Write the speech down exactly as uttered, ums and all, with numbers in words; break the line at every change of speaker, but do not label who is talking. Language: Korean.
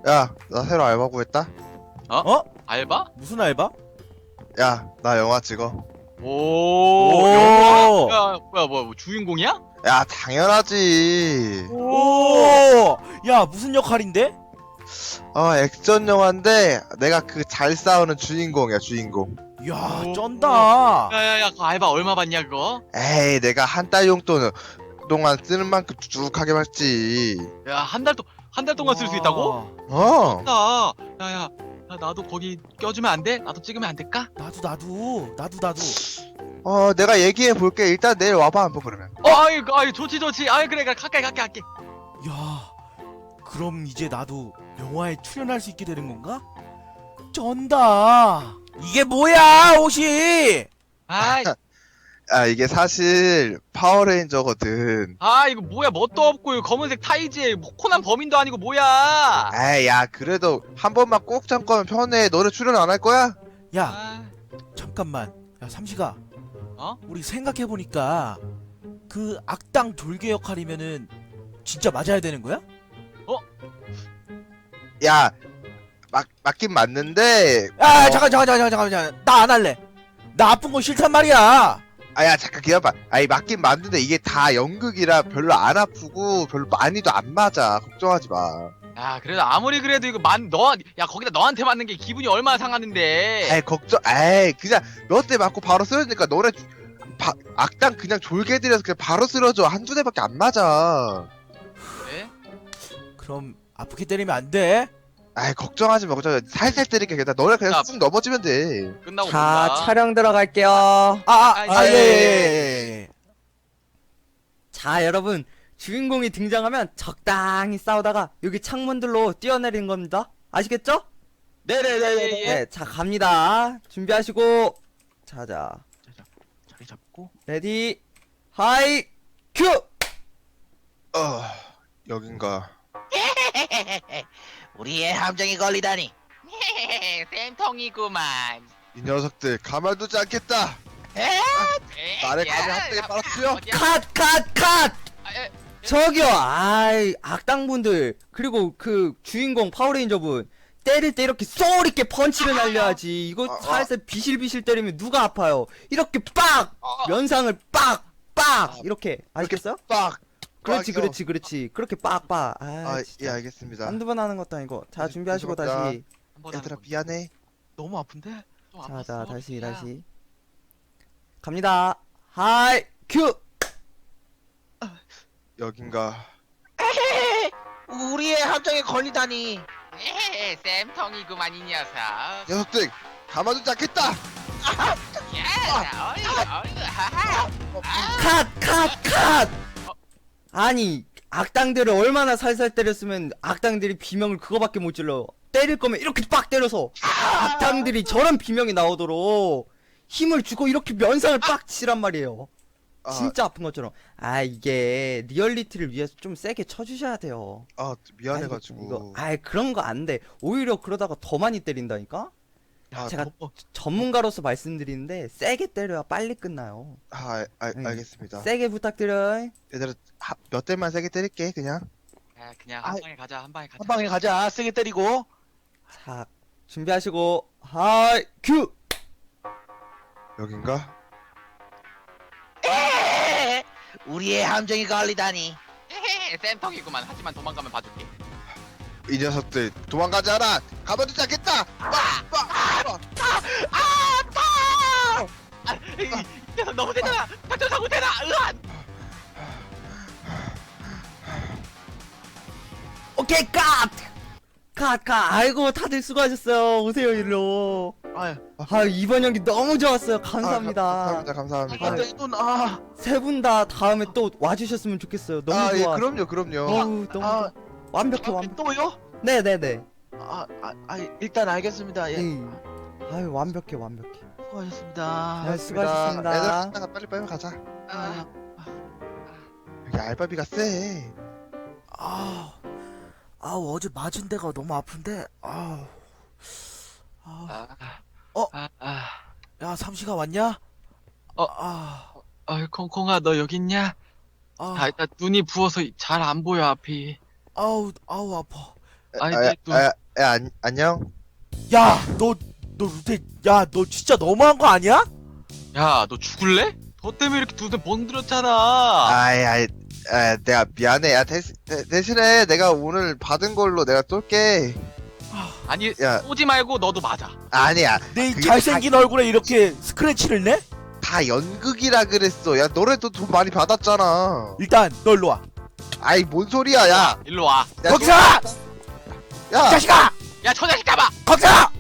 야, 나 새로 알바 구했다.
어?
알바?
무슨 알바?
야, 나 영화 찍어.
오,
오.
영화? 야, 뭐야, 뭐야, 뭐 주인공이야?
야, 당연하지.
오! 야, 무슨 역할인데?
어, 액션 영화인데 내가 그 잘 싸우는 주인공이야, 주인공.
야,
오.
쩐다.
야야야, 그 알바 얼마 받냐 그거?
에이, 내가 한 달 용돈은 동안 쓰는 만큼 쭉하게 받지.
야, 한 달 동, 한 달 동안 쓸 수 있다고?
어.
나, 야야, 야, 나도 거기 껴주면 안 돼? 나도 찍으면 안 될까?
나도 나도 나도 나도.
어, 내가 얘기해 볼게. 일단 내일 와봐 한번 그러면.
어, 아이, 아이, 좋지, 좋지. 아이, 그래, 그래, 갈게, 갈게, 갈게.
야, 그럼 이제 나도 영화에 출연할 수 있게 되는 건가? 쩐다. 이게 뭐야, 옷이?
아이,
아, 이게 사실 파워레인저거든.
아, 이거 뭐야, 뭣도 없고, 이거 검은색 타이즈에 뭐 코난 범인도 아니고 뭐야?
에이, 야, 그래도 한 번만 꼭 잠깐만 편해. 너네 출연 안 할 거야?
야,
아,
잠깐만. 야, 삼시가.
어?
우리 생각해 보니까 그 악당 졸개 역할이면은 진짜 맞아야 되는 거야?
야, 맞, 맞긴 맞는데.
아,
어,
잠깐 잠깐 잠깐 잠깐 잠깐. 나 안 할래. 나 아픈 거 싫단 말이야.
아, 야, 잠깐 기다려봐. 아니, 맞긴 맞는데 이게 다 연극이라 별로 안 아프고 별로 많이도 안 맞아. 걱정하지 마.
야, 그래도 아무리 그래도 이거 만, 너, 야, 거기다 너한테 맞는 게 기분이 얼마나 상하는데.
에이, 걱정, 에이, 그냥 몇 대 맞고 바로 쓰러지니까 너네 바, 악당 그냥 졸개 들여서 그냥 바로 쓰러져. 한두 대밖에 안 맞아.
그래?
그럼 아프게 때리면 안 돼?
에이, 걱정하지 마. 걱정. 살살 때릴게. 그냥 너네 그냥
야.
쑥 넘어지면 돼.
끝나고
자,
본다.
촬영 들어갈게요.
아, 아,
아,
아, 예,
예,
예,
예,
예, 예.
자, 여러분. 주인공이 등장하면 적당히 싸우다가 여기 창문들로 뛰어내리는 겁니다. 아시겠죠?
네네네네.
네, 자, 갑니다. 준비하시고. 자자.
자리 잡고.
레디, 하이, 큐!
어, 여긴가.
우리의 함정이 걸리다니.
쌤통이구만.
이 녀석들 가만두지 않겠다. 나를 감히 한대에 빨아치워?
컷, 컷, 컷!
아, 예.
저기요, 아이, 악당분들. 그리고 그 주인공 파워레인저분. 때릴 때 이렇게 쏘리 있게 펀치를 날려야지. 이거
아, 아.
살살 비실비실 때리면 누가 아파요? 이렇게 빡!
어,
면상을 빡! 빡! 이렇게. 아시겠어요?
빡.
그렇지,
빡이요.
그렇지, 그렇지. 그렇게 빡빡. 아,
아, 예,
진짜.
알겠습니다.
한두 번 하는 것도 아니고. 자,
네,
준비하시고
죄송합니다.
다시.
한번
얘들아
하는 거.
미안해.
너무 아픈데? 좀
자,
아팠어.
자, 다시,
야.
다시. 갑니다. 하이, 큐!
여긴가.
우리의 함정이 걸리다니.
에헤, 쌤통이구만 이 녀석.
녀석들 가만두지 않겠다.
야, 어이구, 어이구, 하하.
컷! 컷! 컷! 아니, 악당들을 얼마나 살살 때렸으면 악당들이 비명을 그거밖에 못 질러. 때릴 거면 이렇게 빡 때려서 악당들이 저런 비명이 나오도록 힘을 주고 이렇게 면상을 빡 치란 말이에요.
아,
진짜 아픈 것처럼. 아, 이게 리얼리티를 위해서 좀 세게 쳐주셔야 돼요.
아 미안해가지고.
이거, 아이, 그런 거 안 돼. 오히려 그러다가 더 많이 때린다니까?
아,
제가
너무-
전문가로서 말씀드리는데 세게 때려야 빨리 끝나요.
아, 알,
네.
알겠습니다.
세게 부탁드려요.
얘들아 하- 몇 대만 세게 때릴게 그냥.
야, 그냥 한
아이.
방에 가자, 한 방에 가자.
한 방에 가자. 세게 때리고.
자, 준비하시고 하이 큐.
여긴가?
에헤헤. 우리의 함정이 걸리다니.
에헤, 쌤통이구만. 하지만 도망가면 봐줄게.
이 녀석들 도망가지 않아. 가만두지 않겠다. 빡! 빡! 빡!
아, 이, 이 녀석 너무 세잖아. 작전 사고 되나? 으안.
오케이 컷. 컷 컷. 아이고 다들 수고하셨어요. 오세요 일로.
아유,
아 이번 연기 너무 좋았어요. 감사합니다.
아, 감사합니다. 감사합니다.
이건 내 돈. 아,
세 분 다 다음에 또 와주셨으면 좋겠어요. 너무
아, 예,
좋아.
그럼요, 그럼요.
어우, 너무
아,
좋아. 완벽해
아,
완벽.
또요?
네네네.
아, 아, 아, 일단 알겠습니다. 예,
음. 아유 완벽해 완벽해.
수고하셨습니다.
네, 수고하셨습니다.
얘들아 식당가 빨리 빨리 가자.
아,
여기 알바비가 세.
아, 아 어제 맞은 데가 너무 아픈데. 아, 아,
아,
어?
아, 아,
야 삼시가 왔냐?
어.
아,
어이, 콩콩아, 너 여기 있냐?
아,
아, 일단 눈이 부어서 잘 안 보여 앞이.
아우, 아우 아파.
아니,
아,
내 눈.
아, 아, 안, 안녕.
야, 너, 너 루테, 야, 너 진짜 너무한 거 아니야?
야, 너 죽을래? 너 때문에 이렇게 두 대 번들었잖아.
아이, 아이, 아, 내가 미안해. 야, 대신, 대, 대신에 내가 오늘 받은 걸로 내가 쏠게.
아니,
야.
쏘지 말고 너도 맞아.
아니야.
내
그게
잘생긴 얼굴에 이렇게 스크래치를 내?
다 연극이라 그랬어. 야, 너네도 돈 많이 받았잖아.
일단 너 일로 와.
아이, 뭔 소리야, 야.
일로 와.
야,
거기서!
야,
자식아!
야, 저 자식 잡아!
거기서!